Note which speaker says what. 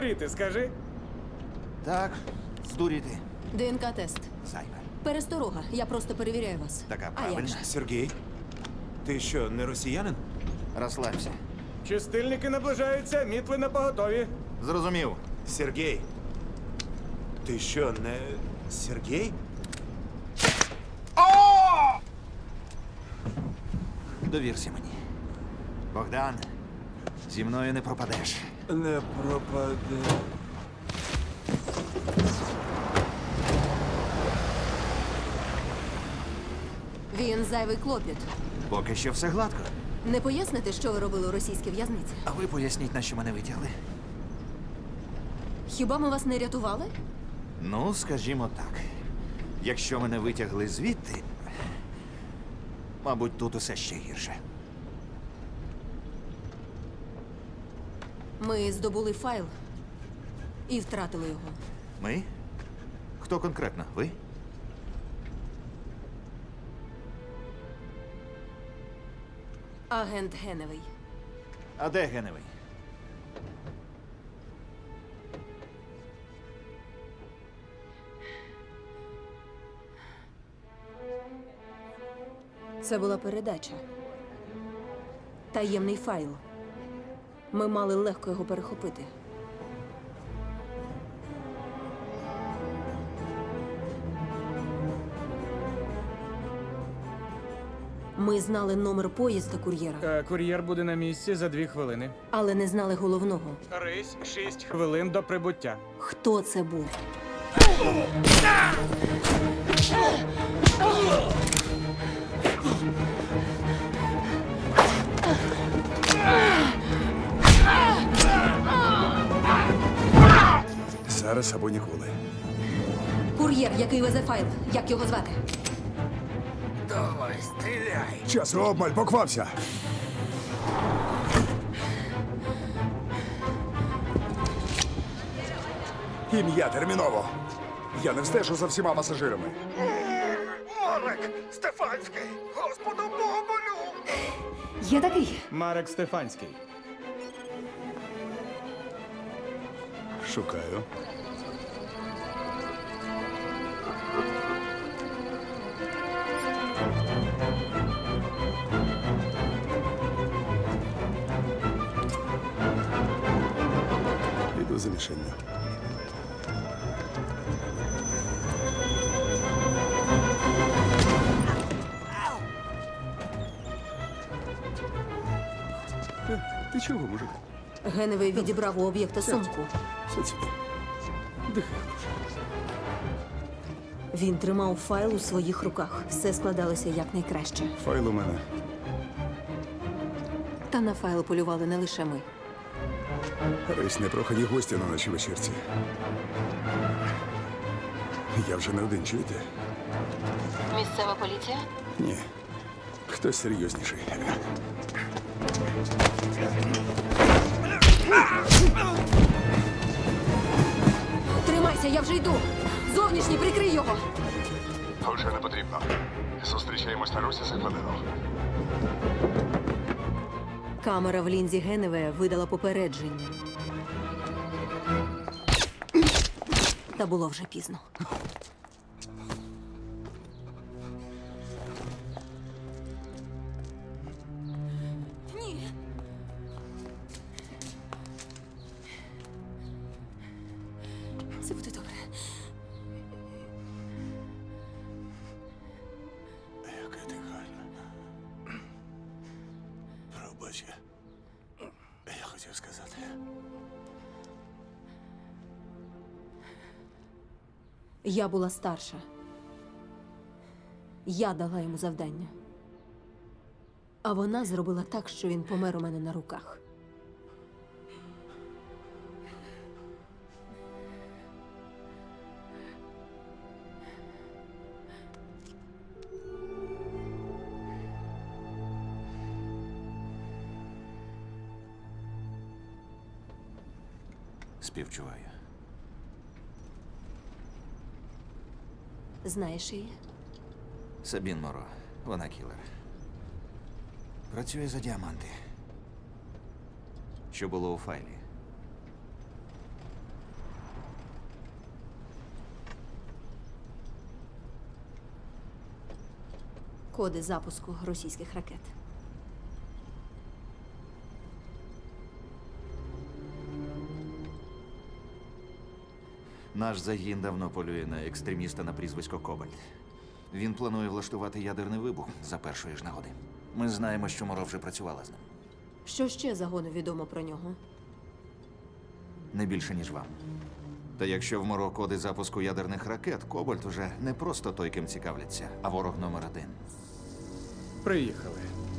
Speaker 1: Ти скажи?
Speaker 2: Так, здуріти.
Speaker 3: ДНК-тест.
Speaker 2: Зайве.
Speaker 3: Пересторога. Я просто перевіряю вас.
Speaker 2: Така
Speaker 3: А як
Speaker 2: правильна.
Speaker 3: же?
Speaker 1: Сергій? Ти що, не росіянин?
Speaker 2: Розслабся.
Speaker 1: Чистильники наближаються, мітли на поготові.
Speaker 2: Зрозумів.
Speaker 1: Сергій? Ти що, не Сергій?
Speaker 2: Довірся мені. Богдан, зі мною не пропадеш.
Speaker 1: Не пропаде.
Speaker 3: Він зайвий клопіт.
Speaker 2: Поки що все гладко.
Speaker 3: Не поясните, що ви робили у російській в'язниці?
Speaker 2: А ви поясніть, на що мене витягли?
Speaker 3: Хіба ми вас не рятували?
Speaker 2: Ну, скажімо так. Якщо мене витягли звідти, мабуть, тут усе ще гірше.
Speaker 3: Ми здобули файл і втратили його.
Speaker 2: Ми? Хто конкретно? Ви?
Speaker 3: Агент Геневий.
Speaker 2: А де Геневий?
Speaker 3: Це була передача. Таємний файл. Ми мали легко його перехопити. Ми знали номер поїзда кур'єра,
Speaker 1: Кур'єр буде на місці за 2 хвилини.
Speaker 3: але не знали головного.
Speaker 1: Рись 6 хвилин до прибуття.
Speaker 3: Хто це був?
Speaker 4: Зараз або ніколи.
Speaker 3: Кур'єр, який везе файл. Як його звати?
Speaker 2: Давай, стріляй!
Speaker 4: Час обмаль, поквапся! Ім'я терміново! Я не встежу за всіма пасажирами.
Speaker 2: Марек! Стефанський! Господу Богомолю!
Speaker 3: Є такий.
Speaker 1: Марек Стефанський.
Speaker 4: Шукаю. Іду за мішенню. Ти чого, мужик?
Speaker 3: Геневий відібрав у об'єкта сумку.
Speaker 4: Сядь сюди. Дихай.
Speaker 3: Він тримав файл у своїх руках. Все складалося якнайкраще.
Speaker 4: Файл у мене.
Speaker 3: Та на файл полювали не лише ми.
Speaker 4: Рись непрохані гості на нашій вечірці. Я вже не один, чуєте?
Speaker 3: Місцева поліція?
Speaker 4: Ні. Хтось серйозніший.
Speaker 3: Тримайся, я вже йду. Зовнішній, прикрий його.
Speaker 4: Вже не потрібно. Зустрічаємось на Русі за хвилину.
Speaker 3: Камера в лінзі Геневе видала попередження. Та було вже пізно. Ні. Це буде добре.
Speaker 4: Яка ти гарна. Пробач. Я хотів сказати.
Speaker 3: Я була старша. Я дала йому завдання. А вона зробила так, що він помер у мене на руках.
Speaker 2: Співчуваю.
Speaker 3: Знаєш її?
Speaker 2: Сабін Моро. Вона кілер. Працює за діаманти. Що було у файлі?
Speaker 3: Коди запуску російських ракет.
Speaker 2: Наш загін давно полює на екстреміста на прізвисько Кобальт. Він планує влаштувати ядерний вибух за першої ж нагоди. Ми знаємо, що Моро вже працювала з ним.
Speaker 3: Що ще загону відомо про нього?
Speaker 2: Не більше, ніж вам. Та якщо в Моро коди запуску ядерних ракет, Кобальт уже не просто той, ким цікавляться, а ворог номер один.
Speaker 1: Приїхали.